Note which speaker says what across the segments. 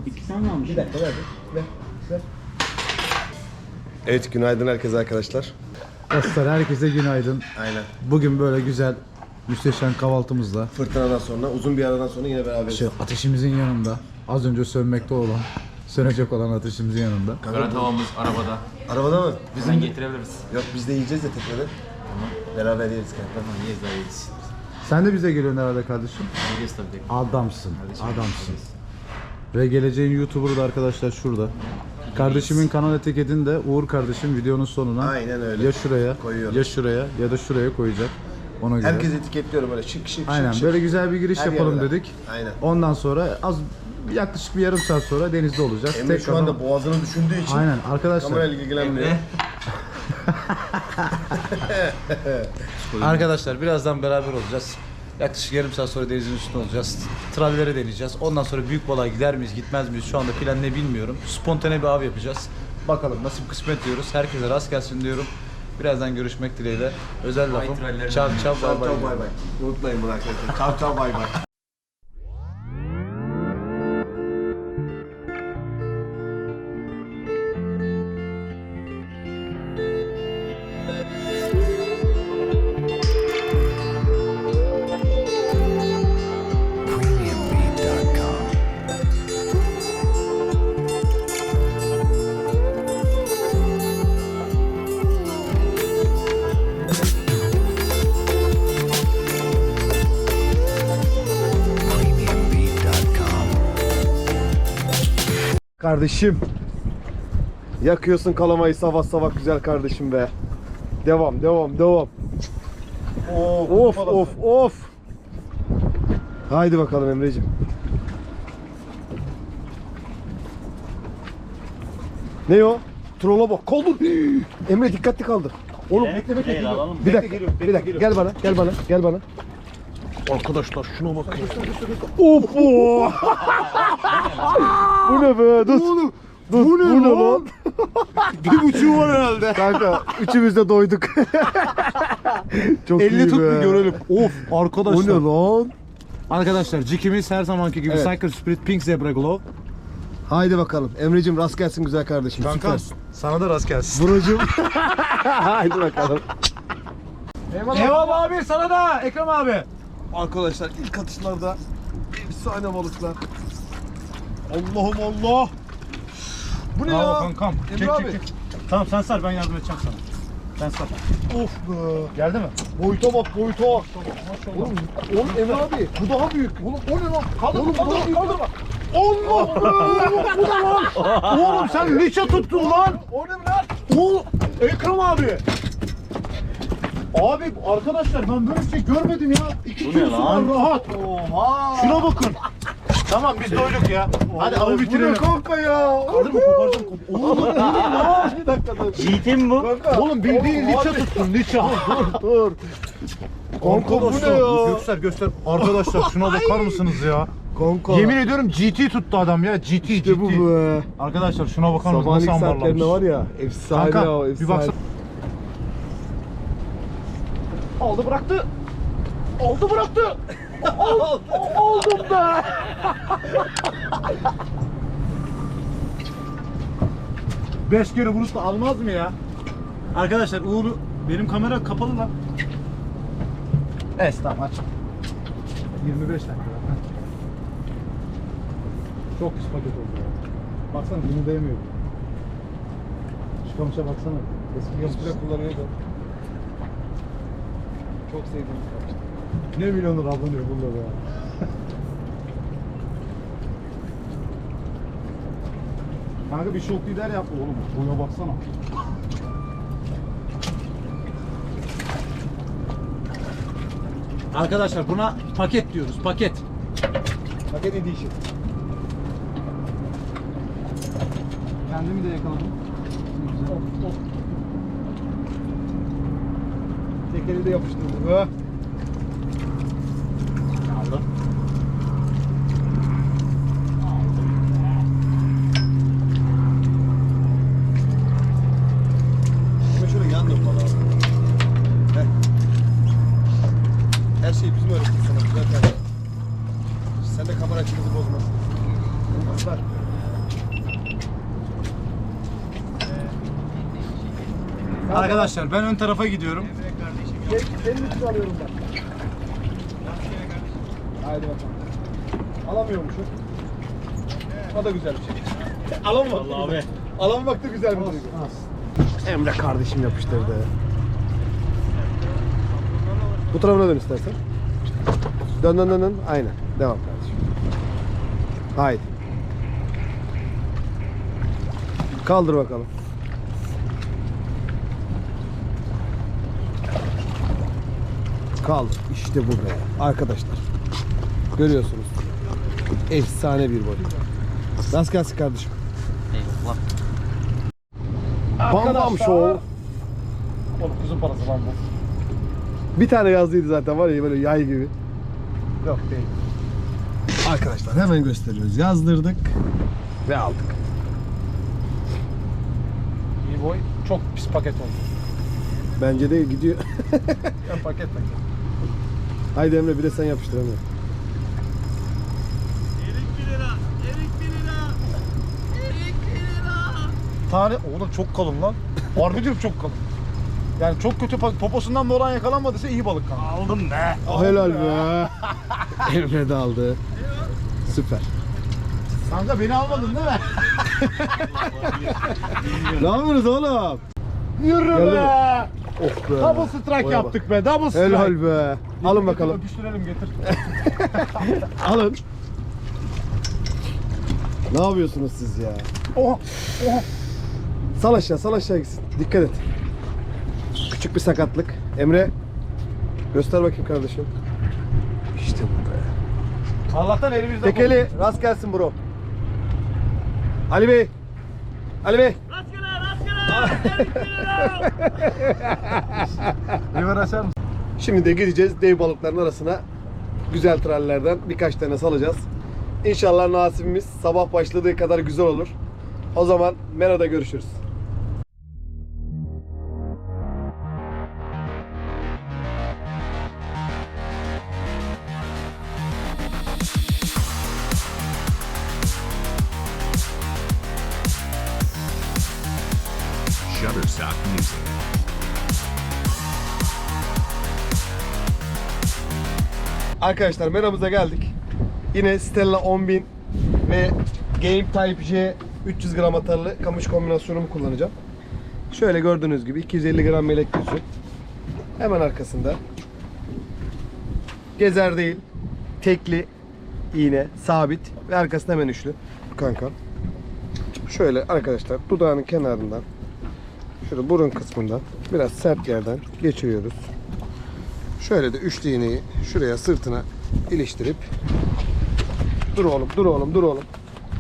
Speaker 1: 2 sen almış.
Speaker 2: Bir dakika ver. Evet, günaydın herkese arkadaşlar.
Speaker 3: Dostlar herkese günaydın.
Speaker 2: Aynen.
Speaker 3: Bugün böyle güzel, müsteşem kahvaltımızla
Speaker 2: Fırtınadan sonra, uzun bir aradan sonra yine beraberiz.
Speaker 3: ateşimizin yanında, az önce sönmekte olan, sönecek olan ateşimizin yanında.
Speaker 4: Kara tavamız arabada.
Speaker 2: Arabada mı?
Speaker 4: Bizden getirebiliriz.
Speaker 2: Yok, biz de yiyeceğiz ya tekrar.
Speaker 4: Tamam.
Speaker 2: Beraber yeriz kanka.
Speaker 4: Tamam, yeriz daha yeriz.
Speaker 3: Sen de bize geliyorsun herhalde kardeşim.
Speaker 4: Yeriz tabii ki.
Speaker 3: Adamsın,
Speaker 4: Kardeşim,
Speaker 3: adamsın.
Speaker 4: yeriz.
Speaker 3: Ve geleceğin YouTuber'ı da arkadaşlar şurada. Kardeşimin kanal etiketini de Uğur kardeşim videonun sonuna
Speaker 2: Aynen öyle.
Speaker 3: ya şuraya,
Speaker 2: Koyuyorum.
Speaker 3: ya şuraya ya da şuraya koyacak. Ona göre.
Speaker 2: Herkes etiketliyorum böyle şık şık
Speaker 3: Aynen
Speaker 2: şık.
Speaker 3: böyle güzel bir giriş
Speaker 2: Her
Speaker 3: yapalım
Speaker 2: yerden.
Speaker 3: dedik.
Speaker 2: Aynen.
Speaker 3: Ondan sonra yaklaşık bir yarım saat sonra denizde olacağız.
Speaker 2: Emre şu
Speaker 3: Tekrardan-
Speaker 2: anda boğazını düşündüğü için
Speaker 3: Aynen arkadaşlar.
Speaker 2: kamerayla ilgilenmiyor.
Speaker 3: Arkadaşlar birazdan beraber olacağız. Yaklaşık yarım saat sonra denizin üstünde olacağız. Travellere deneyeceğiz. Ondan sonra büyük balığa gider miyiz gitmez miyiz şu anda plan ne bilmiyorum. Spontane bir av yapacağız. Bakalım nasip kısmet diyoruz. Herkese rast gelsin diyorum. Birazdan görüşmek dileğiyle. Özel lafım.
Speaker 4: trallerine
Speaker 3: Çav çav
Speaker 2: Ciao
Speaker 3: bay bay.
Speaker 2: ciao bay bay. Unutmayın bunu arkadaşlar. Ciao ciao bay bay. Kardeşim. Yakıyorsun kalamayı sabah sabah güzel kardeşim be. Devam devam devam. Of of of. Haydi bakalım Emreciğim. Ne o? Trolla bak. Kaldır. Emre dikkatli kaldır. Oğlum bekle. Bir dakika. Gel bana. Arkadaşlar şuna bakın. Of. Bu ne be? Dur. Bu ne lan? 1,5 var herhalde. Kanka üçümüz de doyduk. Çok
Speaker 3: 50
Speaker 2: iyi
Speaker 3: tut
Speaker 2: be.
Speaker 3: bir görelim. Of
Speaker 2: Bu
Speaker 3: arkadaşlar.
Speaker 2: ne lan?
Speaker 3: Arkadaşlar cikimiz her zamanki gibi
Speaker 2: Evet.
Speaker 3: Cycle Spirit Pink Zebra Glow.
Speaker 2: Haydi bakalım. Emreciğim rast gelsin güzel kardeşim. Süpersin.
Speaker 3: sana da rast gelsin.
Speaker 2: Buracığım. Haydi bakalım.
Speaker 3: Eyvallah abi sana da Ekrem abi.
Speaker 2: Arkadaşlar ilk atışlarda efsane balıklar. Allah'ım Allah. Bu ne
Speaker 3: Bravo
Speaker 2: ya?
Speaker 3: kankam.
Speaker 2: Emre abi.
Speaker 3: Tamam sen sar ben yardım edeceğim sana. Sen sar.
Speaker 2: Of be.
Speaker 3: Geldi mi?
Speaker 2: Boyuta bak boyuta.
Speaker 3: Maşallah.
Speaker 2: Oğlum Emre abi bu daha büyük. Oğlum o ne lan? Oğlum bu daha büyük. Allah be. Bu ne lan?
Speaker 3: Oğlum sen liçe tuttun lan.
Speaker 2: O ne lan?
Speaker 3: Oğlum Ekrem abi. Abi arkadaşlar ben böyle bir şey görmedim ya. 2 kilosu var rahat.
Speaker 2: Oha.
Speaker 3: Şuna bakın. Tamam biz doyduk ya. Hadi avı bitirelim.
Speaker 2: Bu ne kanka ya?
Speaker 3: Kaldır mı koparacağım. Oğlum
Speaker 2: Bir dakika dur.
Speaker 1: GT mi bu?
Speaker 2: Kanka.
Speaker 3: Oğlum bildiğin
Speaker 2: Oğlum,
Speaker 3: liçe
Speaker 2: abi.
Speaker 3: tuttun liçe.
Speaker 2: Dur. Kanka bu ne ya?
Speaker 3: Göster. Arkadaşlar şuna bakar mısınız ya?
Speaker 2: Kanka.
Speaker 3: Yemin ediyorum GT tuttu adam ya. GT.
Speaker 2: İşte bu be.
Speaker 3: Arkadaşlar şuna bakar mısınız?
Speaker 2: Sabahleyin
Speaker 3: Nasıl
Speaker 2: saatlerinde
Speaker 3: ambarlamış?
Speaker 2: var ya. Efsane
Speaker 3: Kanka
Speaker 2: ya.
Speaker 3: bir
Speaker 2: Efsane.
Speaker 3: baksana. Aldı bıraktı. Aldı bıraktı. Oldum be. Beş kere vuruş da almaz mı ya? Arkadaşlar Uğur benim kamera kapalı lan. Tamam aç. 25 dakika. Çok pis paket oldu ya. Baksana bunu değmiyor. Şu kamışa baksana. Eski
Speaker 2: Spray kullanıyordu. Çok sevdiğim bir kamıştı.
Speaker 3: ne milyonlar ablanıyor bunda be. Kanka bir şok lider yaptı oğlum. Boya baksana. Arkadaşlar buna paket diyoruz. Paket.
Speaker 2: Paket edition.
Speaker 3: Kendimi de yakaladım.
Speaker 2: Of. Tekeri de yapıştırdı be.
Speaker 3: Aldım.
Speaker 2: Şöyle yan dön bana. Her şeyi bizim öğrettik sana güzel kardeşim. Sen de kamera açımızı bozma. Aslar.
Speaker 3: Arkadaşlar ben ön tarafa gidiyorum.
Speaker 2: Senin için alıyorum ben. Haydi bakalım. Alamıyormuşum. O da güzel bir şey. Alamamak abi. Alamamak da güzel bir duygu. Emre kardeşim yapıştırdı. Bu tarafına dön istersen. Dön dön dön dön. Aynen. Devam kardeşim. Haydi. Kaldır bakalım. Kaldır. İşte bu be. Arkadaşlar. Görüyorsunuz. Efsane bir boy. Rast gelsin kardeşim.
Speaker 4: Eyvallah.
Speaker 2: Bam bam show.
Speaker 3: Oğlum kuzun parası lan bu.
Speaker 2: Bir tane yazdıydı zaten var ya böyle yay gibi.
Speaker 3: Yok değil.
Speaker 2: Arkadaşlar hemen gösteriyoruz. Yazdırdık ve aldık.
Speaker 3: İyi boy çok pis paket oldu.
Speaker 2: Bence de gidiyor.
Speaker 3: Ya paket.
Speaker 2: Haydi Emre bir de sen yapıştır Emre.
Speaker 3: Tane oğlum çok kalın lan. Harbi diyorum çok kalın. Yani çok kötü poposundan bir oran yakalanmadıysa iyi balık kanka. Aldım be.
Speaker 2: Helal be. Emre de aldı. Süper.
Speaker 3: Kanka beni almadın değil mi?
Speaker 2: Ne yapıyorsunuz oğlum?
Speaker 3: Yürü
Speaker 2: Geldi
Speaker 3: be.
Speaker 2: Of be.
Speaker 3: Double strike
Speaker 2: Oya
Speaker 3: yaptık be. Double strike.
Speaker 2: Helal be. Alın bakalım.
Speaker 3: Öpüştürelim getir.
Speaker 2: Alın. Ne yapıyorsunuz siz ya?
Speaker 3: Oha. Oha.
Speaker 2: Sal aşağı gitsin. Dikkat et. Küçük bir sakatlık. Emre göster bakayım kardeşim. İşte bu be.
Speaker 3: Allah'tan elimizde.
Speaker 2: Tekeli rast gelsin bro. Ali Bey. Ali Bey.
Speaker 3: River açar mısın?
Speaker 2: Şimdi de gideceğiz dev balıkların arasına. Güzel trallerden birkaç tane salacağız. İnşallah nasibimiz sabah başladığı kadar güzel olur. O zaman Mera'da görüşürüz.
Speaker 1: Shutterstock Music.
Speaker 2: Arkadaşlar Mera'mıza geldik. Yine Stella 10.000 ve Game Type J 300 gram atarlı kamış kombinasyonumu kullanacağım. Şöyle gördüğünüz gibi 250 gram melek yüzü. Hemen arkasında gezer değil, tekli iğne, sabit ve arkasında hemen üçlü. Kanka. Şöyle arkadaşlar dudağının kenarından, şurada burun kısmından biraz sert yerden geçiriyoruz. Şöyle de üçlü iğneyi şuraya sırtına iliştirip dur oğlum, dur oğlum, dur oğlum.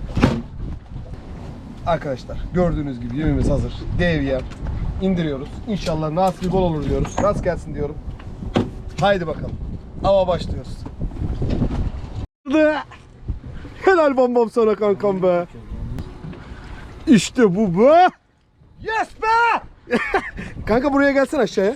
Speaker 2: Arkadaşlar gördüğünüz gibi yemimiz hazır. Dev yem. İndiriyoruz. İnşallah nasibi bol olur diyoruz. Rast gelsin diyorum. Haydi bakalım. Ava başlıyoruz. Helal bam sana kankam be. İşte bu be.
Speaker 3: Yes be!
Speaker 2: Kanka buraya gelsen aşağıya.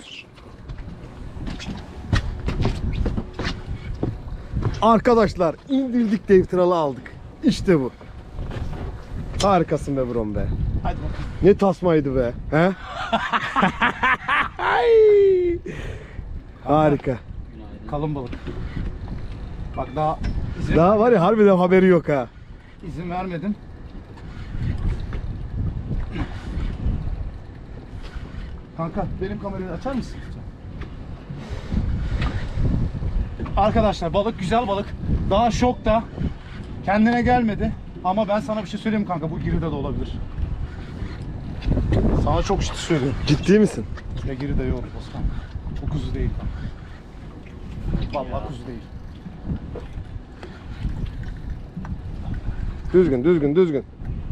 Speaker 2: Arkadaşlar indirdik dev tralı aldık. İşte bu. Harikasın be brom be.
Speaker 3: Hadi bakalım.
Speaker 2: Ne tasmaydı be. He? Harika.
Speaker 3: Kalın balık. Bak daha izin,
Speaker 2: Daha var ya harbiden haberi yok ha.
Speaker 3: izin vermedin. Kanka benim kamerayı açar mısın? Arkadaşlar balık güzel balık. Daha şokta. Kendine gelmedi. Ama ben sana bir şey söyleyeyim kanka, bu giride de olabilir. Sana çok ciddi söylüyorum.
Speaker 2: Ciddi misin?
Speaker 3: Ya giride yok Osman. O kuzu değil kanka. Vallahi kuzu değil.
Speaker 2: Düzgün düzgün düzgün.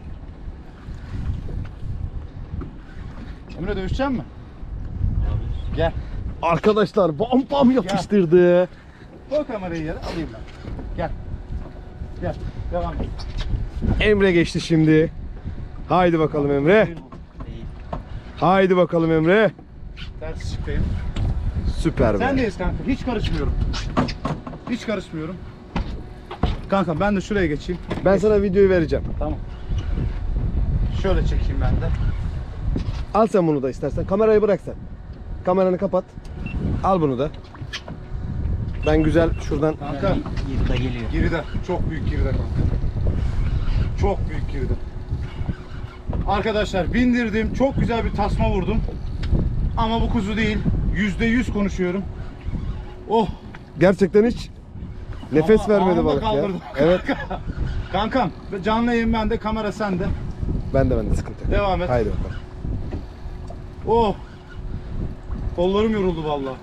Speaker 3: Emre dövüşecek mi? Gel.
Speaker 2: Arkadaşlar bam bam yapıştırdı.
Speaker 3: Koy kamerayı yere, alayım ben. Gel. Gel. Devam et.
Speaker 2: Emre geçti şimdi. Haydi bakalım Emre.
Speaker 3: Değil bu.
Speaker 2: Haydi bakalım Emre.
Speaker 3: Ters çıkayım.
Speaker 2: Süper be.
Speaker 3: Sendeyiz kanka. Hiç karışmıyorum. Hiç karışmıyorum. Kanka ben de şuraya geçeyim.
Speaker 2: Ben sana videoyu vereceğim.
Speaker 3: Tamam. Şöyle çekeyim ben de.
Speaker 2: Al sen bunu da istersen. Kamerayı bırak sen. Kameranı kapat. Al bunu da. Ben güzel şuradan.
Speaker 1: Kanka.
Speaker 5: Girida geliyor.
Speaker 1: Girida. Çok büyük girida kanka. Çok büyük girida. Arkadaşlar bindirdim. Çok güzel bir tasma vurdum. Ama bu kuzu değil. %100 konuşuyorum. Oh.
Speaker 2: Gerçekten hiç nefes
Speaker 1: Ama
Speaker 2: vermedi
Speaker 1: anında
Speaker 2: balık ya.
Speaker 1: kaldırdım.
Speaker 2: Evet.
Speaker 1: Kankam canlı yayın bende, kamera sende.
Speaker 2: Ben de sıkıntı yok.
Speaker 1: Devam et.
Speaker 2: Haydi bakalım.
Speaker 1: Oh. Kollarım yoruldu vallahi.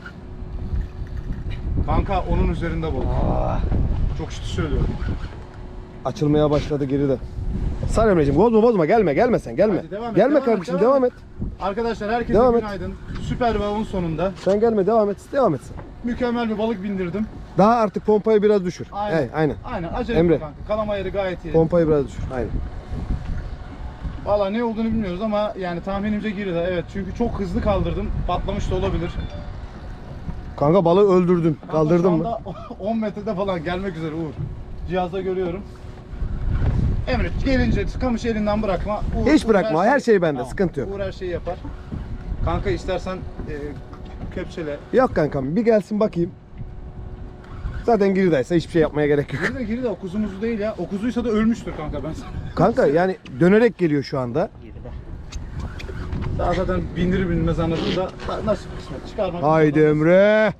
Speaker 1: Kanka onun üzerinde balık. Çok ciddi söylüyorum.
Speaker 2: Açılmaya başladı geride. Sar Emre'ciğim bozma gelme sen gelme.
Speaker 1: Hadi devam et,
Speaker 2: Gelme
Speaker 1: devam et,
Speaker 2: kardeşim devam et.
Speaker 1: Arkadaşlar herkese
Speaker 2: Devam et.
Speaker 1: günaydın. Süper bir avın sonunda
Speaker 2: Sen gelme devam et sen.
Speaker 1: mükemmel bir balık bindirdim.
Speaker 2: Daha artık pompayı biraz düşür.
Speaker 1: Aynen.
Speaker 2: Evet, aynen.
Speaker 1: Aynen. Acele
Speaker 2: Emre.
Speaker 1: etme kanka. Kalama yeri gayet iyi.
Speaker 2: Pompayı biraz düşür. Aynen.
Speaker 1: Valla ne olduğunu bilmiyoruz ama yani tahminimce girdi. Evet çünkü çok hızlı kaldırdım. Patlamış da olabilir.
Speaker 2: Kanka balığı öldürdün.
Speaker 1: Kanka
Speaker 2: Kaldırdın
Speaker 1: şu
Speaker 2: mı?
Speaker 1: anda 10 metrede falan gelmek üzere Uğur. Cihazda görüyorum. Emre gelince kamış elinden bırakma.
Speaker 2: Hiç bırakma, her şey bende, sıkıntı yok.
Speaker 1: Uğur her şeyi yapar. Kanka istersen kepçele.
Speaker 2: Yok kankam bir gelsin bakayım. Zaten giridaysa hiçbir şey yapmaya gerek yok.
Speaker 1: Girdi o kuzumuzu değil ya. O kuzuysa da ölmüştür kanka ben sana.
Speaker 2: Kanka yani dönerek geliyor şu anda.
Speaker 5: Girida.
Speaker 1: Daha zaten bindirir binmez anladın da nasıl kısmet çıkarmak.
Speaker 2: Haydi Emre.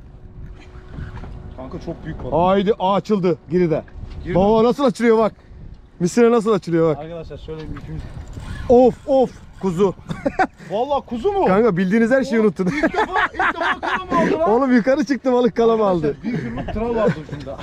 Speaker 1: Kanka çok büyük balık.
Speaker 2: Haydi açıldı giride.
Speaker 1: Girdi.
Speaker 2: Baba nasıl açılıyor bak. Misine nasıl açılıyor bak.
Speaker 1: Arkadaşlar şöyle bir yükümüz.
Speaker 2: Of kuzu.
Speaker 1: Vallahi kuzu mu?
Speaker 2: Kanka bildiğiniz her şeyi unuttun.
Speaker 1: İlk defa kalama aldı lan.
Speaker 2: Oğlum yukarı çıktı balık kalama aldı.
Speaker 1: Arkadaşlar, bir kırmızı tral vardı ucunda.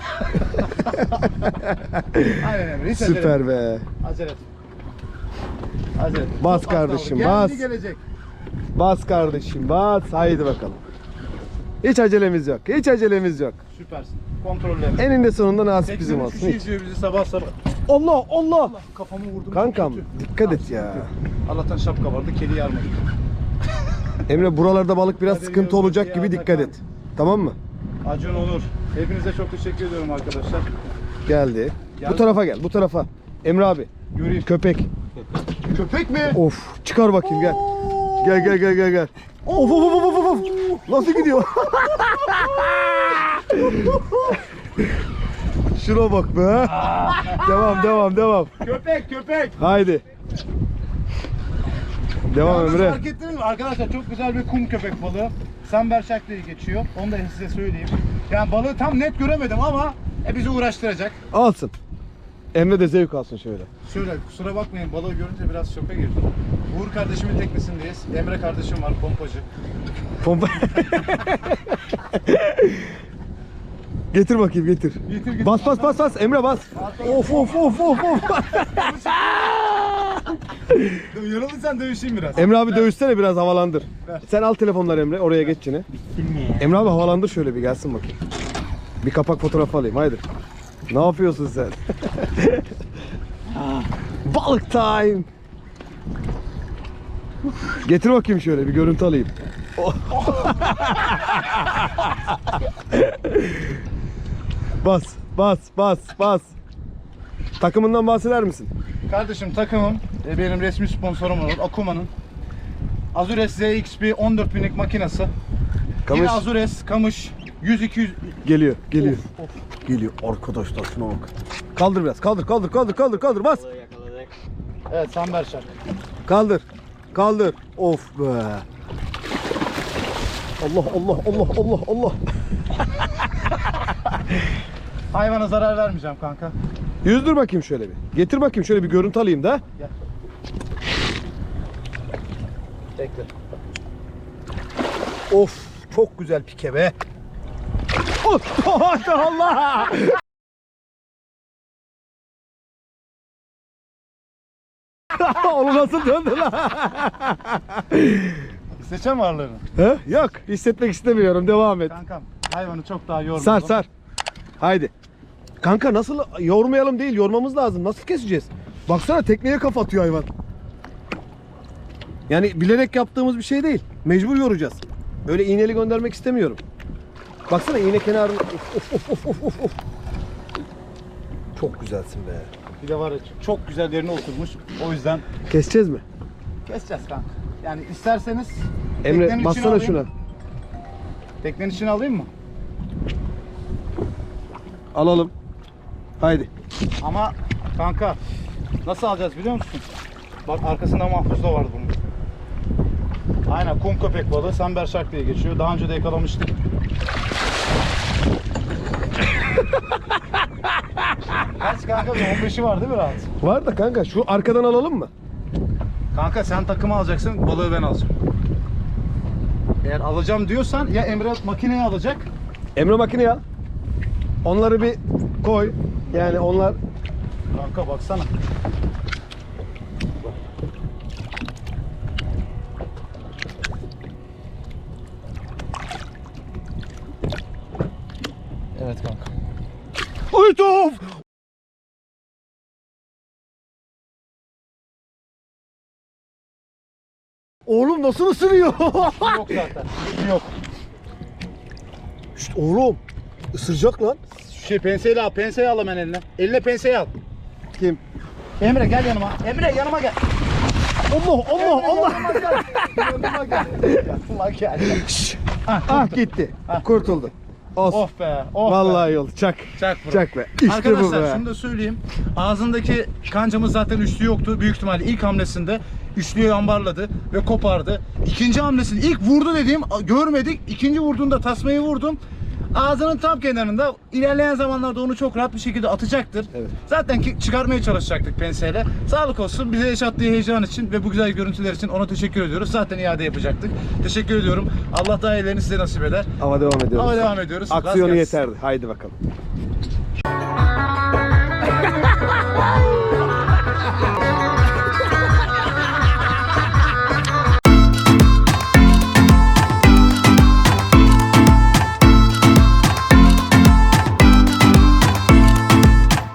Speaker 1: Aynen Emre. Hiç acele
Speaker 2: Süper
Speaker 1: etme.
Speaker 2: be.
Speaker 1: Acele et. Acele et.
Speaker 2: Bas
Speaker 1: Çok az
Speaker 2: kardeşim,
Speaker 1: kaldı.
Speaker 2: bas.
Speaker 1: Geldi gelecek.
Speaker 2: Bas kardeşim bas. Haydi bakalım. Hiç acelemiz yok. Hiç acelemiz yok.
Speaker 1: Süpersin. Kontrollü Emre.
Speaker 2: Eninde sonunda nasip bizim
Speaker 1: 83
Speaker 2: olsun.
Speaker 1: kişi
Speaker 2: Hiç.
Speaker 1: izliyor bizi sabah sabah.
Speaker 2: Allah Allah.
Speaker 1: Kafamı vurdum.
Speaker 2: Kankam
Speaker 1: çok kötü.
Speaker 2: dikkat et ya.
Speaker 1: Allah'tan şapka vardı. Kedi yarmadı.
Speaker 2: Emre buralarda balık biraz
Speaker 1: Hadi
Speaker 2: sıkıntı
Speaker 1: görüşürüz.
Speaker 2: olacak
Speaker 1: İyi
Speaker 2: gibi
Speaker 1: akşamlar.
Speaker 2: dikkat et. Tamam mı?
Speaker 1: Acun Onur. Hepinize çok teşekkür ediyorum arkadaşlar.
Speaker 2: Geldi.
Speaker 1: Geldi.
Speaker 2: Bu tarafa gel. Bu tarafa. Emre abi.
Speaker 1: Göreyim.
Speaker 2: Köpek.
Speaker 1: Köpek mi?
Speaker 2: Of. Çıkar bakayım gel. Gel. Of. Nasıl gidiyor? Şuna bak be. Devam.
Speaker 1: Köpek.
Speaker 2: Haydi. Devam
Speaker 1: Yalnız
Speaker 2: Emre.
Speaker 1: fark ettiniz mi? Arkadaşlar çok güzel bir kum köpek balığı. Samberşak diye geçiyor. Onu da size söyleyeyim. Yani balığı tam net göremedim ama bizi uğraştıracak.
Speaker 2: Alsın. Emre de zevk alsın şöyle.
Speaker 1: Şöyle kusura bakmayın balığı görünce biraz şoka girdim. Uğur kardeşimin teknesindeyiz. Emre kardeşim var pompacı.
Speaker 2: Pompa. Getir bakayım getir.
Speaker 1: Getir.
Speaker 2: Bas Emre bas. Of.
Speaker 1: Yorulursan dövüşeyim biraz.
Speaker 2: Emre abi dövüşsene biraz havalandır.
Speaker 1: Ver.
Speaker 2: Sen al telefonları Emre oraya geç yine.
Speaker 5: Bittin mi ya?
Speaker 2: Emre abi havalandır şöyle bir gelsin bakayım. Bir kapak fotoğrafı alayım haydi. Ne yapıyorsun sen? Balık time. Getir bakayım şöyle bir görüntü alayım. Bas. Takımından bahseder misin?
Speaker 1: Kardeşim takımım benim resmi sponsorum olur. Akuma'nın Azures ZXP 14 binlik makinesi. Yine Azures Kamış 100-200
Speaker 2: Geliyor.
Speaker 1: Of.
Speaker 2: Geliyor arkadaşlar şuna bak. Kaldır biraz. Kaldır bas.
Speaker 5: Yakaladık.
Speaker 1: Evet Samberşak.
Speaker 2: Kaldır. Of be. Allah.
Speaker 1: Hayvana zarar vermeyeceğim kanka.
Speaker 2: Yüzdür bakayım şöyle bir. Getir bakayım şöyle bir görüntü alayım da.
Speaker 1: Gel. Bekle.
Speaker 2: Of çok güzel pike be. Allah. Onu nasıl döndü lan?
Speaker 1: Seçem varlığını.
Speaker 2: He? Yok hissetmek istemiyorum devam et.
Speaker 1: Kankam hayvanı çok daha yormadım.
Speaker 2: Sar. Haydi. Kanka nasıl yormayalım değil yormamız lazım. Nasıl keseceğiz? Baksana tekneye kafa atıyor hayvan. Yani bilerek yaptığımız bir şey değil. Mecbur yoracağız. Öyle iğneli göndermek istemiyorum. Baksana iğne kenarını. Of. Çok güzelsin be.
Speaker 1: Bir de var ya çok güzel yerine oturmuş. O yüzden
Speaker 2: Keseceğiz mi?
Speaker 1: keseceğiz kanka. Yani isterseniz
Speaker 2: Emre
Speaker 1: teknenin içine
Speaker 2: bassana
Speaker 1: alayım.
Speaker 2: şuna.
Speaker 1: Teknenin içine alayım mı?
Speaker 2: Alalım. Haydi.
Speaker 1: Ama kanka nasıl alacağız biliyor musun? Bak arkasında mahpus da var bunun. Aynen kum köpek balığı Samber Shark diye geçiyor. Daha önce de yakalamıştık. Kaç kanka? 15'i var değil mi rahat?
Speaker 2: Var da kanka şu arkadan alalım mı?
Speaker 1: Kanka sen takımı alacaksın, balığı ben alacağım. Eğer alacağım diyorsan ya Emre makineyi alacak.
Speaker 2: Emre makineyi al. Onları bir koy. Yani onlar
Speaker 1: Kanka baksana. Evet kanka.
Speaker 2: Ay tuhaf! Oğlum nasıl ısırıyor?
Speaker 1: Yok zaten. Yok.
Speaker 2: Şşt oğlum. Isıracak lan.
Speaker 1: Şu penseyi al, penseyi al hemen eline. Eline penseyi al.
Speaker 2: Kim?
Speaker 1: Emre gel yanıma. Emre yanıma gel.
Speaker 2: Allah Allah Allah.
Speaker 1: Yanıma gel. Yanıma gel. Yanıma gel.
Speaker 2: Ah gitti. Kurtuldu. Olsun.
Speaker 1: Oh be. Oh
Speaker 2: Vallahi
Speaker 1: be.
Speaker 2: yol. Çak.
Speaker 1: Çak bro.
Speaker 2: Çak be. İşte
Speaker 1: Arkadaşlar
Speaker 2: bu be.
Speaker 1: şunu da söyleyeyim. Ağzındaki kancamız zaten üçlü yoktu. Büyük ihtimalle ilk hamlesinde üçlüyü ambarladı ve kopardı. İkinci hamlesini ilk vurdu dediğim görmedik. İkinci vurduğunda tasmayı vurdum. Ağzının tam kenarında ilerleyen zamanlarda onu çok rahat bir şekilde atacaktır.
Speaker 2: Evet.
Speaker 1: Zaten çıkarmaya çalışacaktık penseyle. Sağlık olsun bize yaşattığı heyecan için ve bu güzel görüntüler için ona teşekkür ediyoruz. Zaten iade yapacaktık. Teşekkür ediyorum. Allah daha iyilerini size nasip eder.
Speaker 2: Ama devam ediyoruz.
Speaker 1: Ama devam ediyoruz.
Speaker 2: Aksiyonu
Speaker 1: Rast gelsin.
Speaker 2: yeterdi. Haydi bakalım.